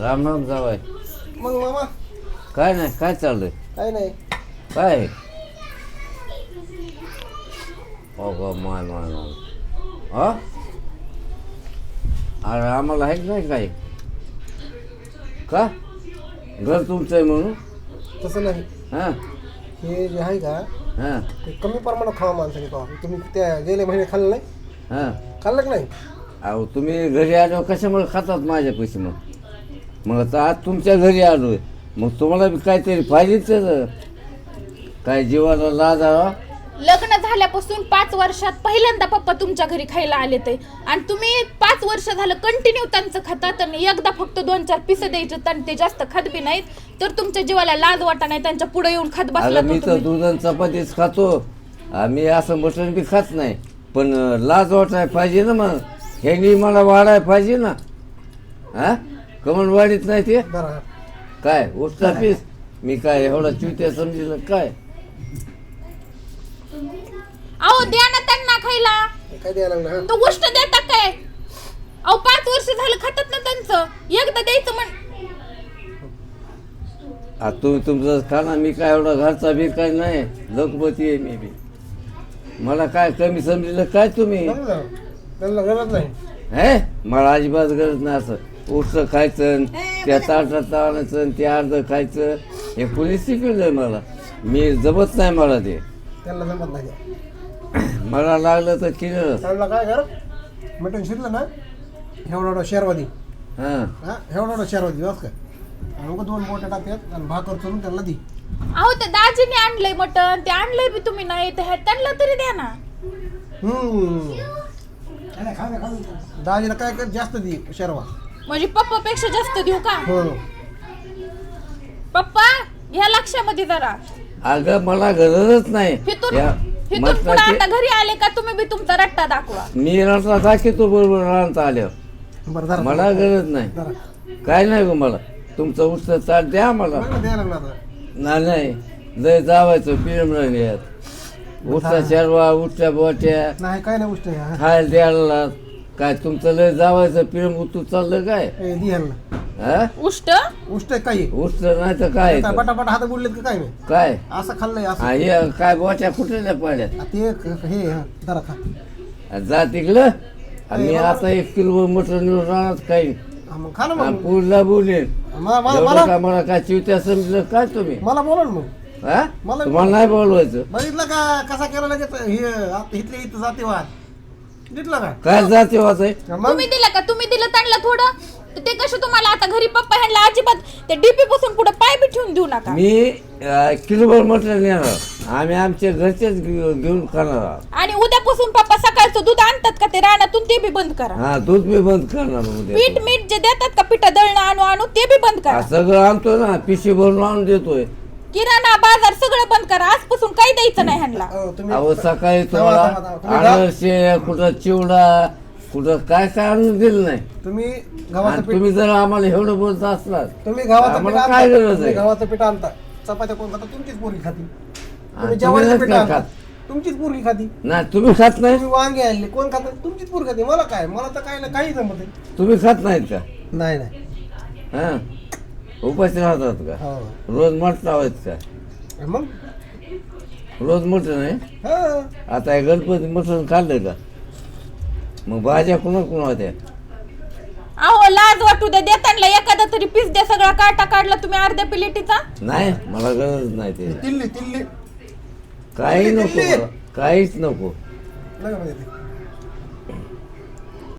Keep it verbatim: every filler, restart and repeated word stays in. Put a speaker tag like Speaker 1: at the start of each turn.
Speaker 1: राम राम जावाय.
Speaker 2: मग मामा
Speaker 1: काय नाही, काय चाललंय?
Speaker 2: काय नाही.
Speaker 1: काय अगं माय माय माय हा अरे आम्हाला आहे नाही काय का घर तुमचं आहे म्हणून?
Speaker 2: तसं नाही.
Speaker 1: हां
Speaker 2: हे जे आहे का
Speaker 1: हां
Speaker 2: ते कमी प्रमाणात खावा माणसाने खावा. तुम्ही त्या गेले महिने खाल्लं नाही?
Speaker 1: हां
Speaker 2: खाल्लं की नाही?
Speaker 1: अहो तुम्ही घरी आलो कशामुळे खातात माझ्या पैसे? मग मग आता आज तुमच्या घरी आलो आहे, मग तुम्हाला बी काहीतरी पाहिजेच तर काय जीवाला लाज आला.
Speaker 3: लग्न झाल्यापासून पाच वर्षात पहिल्यांदा पप्पा तुमच्या घरी खायला आले ते, आणि तुम्ही पाच वर्ष झालं कंटिन्यू त्यांचं खातात आणि एकदा फक्त दोन चार पिसं द्यायचे आणि ते जास्त खात बी नाहीत, तर तुमच्या जीवाला लाज वाटा नाही त्यांच्या पुढे येऊन खात बसला.
Speaker 1: अगं मी तर दूध आणि चपातीच खातो, आम्ही असं मटण बी खात नाही, पण लाज वाटाय पाहिजे ना. मग ह्यांनी मला वाढाय पाहिजे ना. हा कमल वाढीत नाही ते
Speaker 2: बरं
Speaker 1: काय उठता पीस मी काय एवढा चुत्या समजलं काय?
Speaker 3: अहो द्या ना त्यांना खायला.
Speaker 2: काय द्यायला लागलं? हा
Speaker 3: तो गोष्ट देतात काय? अहो पाच वर्ष झालं खातात ना त्यांचं, एकदा द्यायचं म्हण.
Speaker 1: आता तुम्ही तुमचं खाना, मी काय एवढा घरचा बी काय नाही, लखपती आहे मी बी. मला काय कमी समजलं काय तुम्ही?
Speaker 2: चांगलं. त्यांना गरज नाही.
Speaker 1: हे मला अजिबात गरज नाही. असं उठचं खायचं, त्या ताटात आणायचं, ते अर्ध खायचं, हे कोणी शिकवलंय मला. मी जमत नाही मला ते.
Speaker 2: त्यांना जमत नाही.
Speaker 1: मला लागलं तर केलं.
Speaker 2: त्यांना काय कर, मटण शिरलं ना एवढा एवढा शेरवादी,
Speaker 1: हां
Speaker 2: हा एवढा एवढा शेरवादी बस काय, आणि मग दोन बोट्या टाकतात आणि भाकर करून त्यांना दी.
Speaker 3: अहो ते दाजीने आणलंय मटण, ते आणलंय बी तुम्ही नाही तर त्यांना तरी द्या ना.
Speaker 2: हम्म दाजीला काय कर, जास्त दे शेरवा.
Speaker 3: म्हणजे पप्पापेक्षा जास्त देऊ का?
Speaker 2: हो
Speaker 3: पप्पा ह्या लक्षामध्ये जरा.
Speaker 1: अगं मला गरजच नाही.
Speaker 3: हिथून
Speaker 1: या
Speaker 3: हिथून पुढे
Speaker 1: मटणाची
Speaker 3: आता घरी आले का तुम्ही बी तुमचा रट्टा दाखवा.
Speaker 1: मी रस्ता दाखवतो बरोबर राहता आल्यावर.
Speaker 2: बरं जरा
Speaker 1: मला गरज नाही,
Speaker 2: जरा
Speaker 1: काय नाही गो मला. तुमचं उठतं चाट द्या मला.
Speaker 2: मला द्यायला लागला आता.
Speaker 1: नाही नाही लय जावायचं पिरम यात. उठता शेरवा उठत्या बोट्या
Speaker 2: नाही काय नाही गोष्ट आहे, हा.
Speaker 1: खायला द्यायला काय तुमचं लय जावायचं पिरम उतू चाललं काय?
Speaker 2: ए, दे ह्यांना.
Speaker 1: हा
Speaker 3: उष्ट
Speaker 2: गोष्ट आहे काही
Speaker 1: उठतं नाही तर काय
Speaker 2: काय
Speaker 1: तर.
Speaker 2: बटाबट हात बुडलेत का काय नाही?
Speaker 1: काय
Speaker 2: असं खाल्लंय असं.
Speaker 1: हा, हे काय बोट्या कुठल्या पाड्यात
Speaker 2: आ, ते क- हे हा, जरा खा.
Speaker 1: जा तिकडं. आणि आता एक किलो मटण नेऊन राहणार काही
Speaker 2: हा, मग खा ना मग.
Speaker 1: पुढला बोलेन.
Speaker 2: मला मला
Speaker 1: एवढं
Speaker 2: मला
Speaker 1: का मला काय चिवत्या समजलं काय तुम्ही?
Speaker 2: मला बोला ना मग.
Speaker 1: हा
Speaker 2: मला-
Speaker 1: तुम्हाला नाही बोलवायचं.
Speaker 2: बघितलं का कसा केला लगेच हे आता इथले इथं जातीवाद दिसलं का?
Speaker 1: काय जाते वाचाय?
Speaker 2: मग
Speaker 3: तुम्ही दिलं का? तुम्ही दिलं त्यांना थोडं, तर ते कसं तुम्हाला आता घरी पप्पा ह्यांना अजिबात ते डीपी पासून पुढे पाय बी ठेवून देऊ नका.
Speaker 1: मी अं, किलोभर मटण नेणार. आम्ही आमच्या घरचेच घेऊ- घेऊन खाणार आहोत.
Speaker 3: आणि उद्यापासून पप्पा सकाळचं दूध आणतात का ते रानातून ते बी बंद करा.
Speaker 1: हा दूध बी बंद करणार उद्या.
Speaker 3: पीठ मीठ जे देतात का पिठा दळणं आणू आणू ते बी बंद
Speaker 1: हा,
Speaker 3: करा.
Speaker 1: सगळं आणतो ना, पिशवी भरून आणून देतोय.
Speaker 3: किराणा बाजार सगळं बंद करा. आजपासून काही द्यायचं नाही ह्यांना.
Speaker 2: अहो, तुम्ही
Speaker 1: अहो सकाळी
Speaker 2: थांबा, थांबा, थांबा.
Speaker 1: तुम्हाला
Speaker 2: तुम्ही गा-
Speaker 1: आदर्शे कुठं चिवडा कुठं काय काय आणून दिलं नाही.
Speaker 2: तुम्ही गव्हाचं
Speaker 1: आणि
Speaker 2: पीठ
Speaker 1: तुम्ही जर आम्हाला एवढं बोलत असलात
Speaker 2: तुम्ही गव्हाचं पीठ
Speaker 1: आम्हाला
Speaker 2: आणता.
Speaker 1: काय गरज
Speaker 2: तुम्ही
Speaker 1: आहे?
Speaker 2: गव्हाचं पीठ आणता, चपात्या कोण खाता? तुमचीच पोरगी खाती. तुम्ही
Speaker 1: तुम्ही
Speaker 2: जेवायचं
Speaker 1: नाही
Speaker 2: पीठ
Speaker 1: काय
Speaker 2: आणता,
Speaker 1: खात?
Speaker 2: तुमचीच पोरगी खाती.
Speaker 1: नाही तुम्ही खात नाही.
Speaker 2: तुम्ही वांगे आणले कोण खात? तुमचीच पोरगी खाती. मला काय, मला तर काय नाही, काही जमत नाही.
Speaker 1: तुम्ही खात नाहीत का?
Speaker 2: नाही नाही
Speaker 1: हा उपाशी राहतात का?
Speaker 2: हो
Speaker 1: रोज मटण लावायचं का?
Speaker 2: मग
Speaker 1: रोज मटण आहे.
Speaker 2: हा
Speaker 1: आता हे गणपती मटण खाल्लं का? मग भाज्या कुणा कुणा होत्या?
Speaker 3: अहो लाज वाटू द्या, देताना एखादा तरी पीस द्या. सगळा काटा काढला तुम्ही अर्ध्या प्लेटीचा.
Speaker 1: नाही मला गरज नाही ते.
Speaker 2: तिल्ली तिल्ली
Speaker 1: काही नको
Speaker 2: दिल्ली.
Speaker 1: मला. काहीच नको.
Speaker 2: नका म्हणजे ते.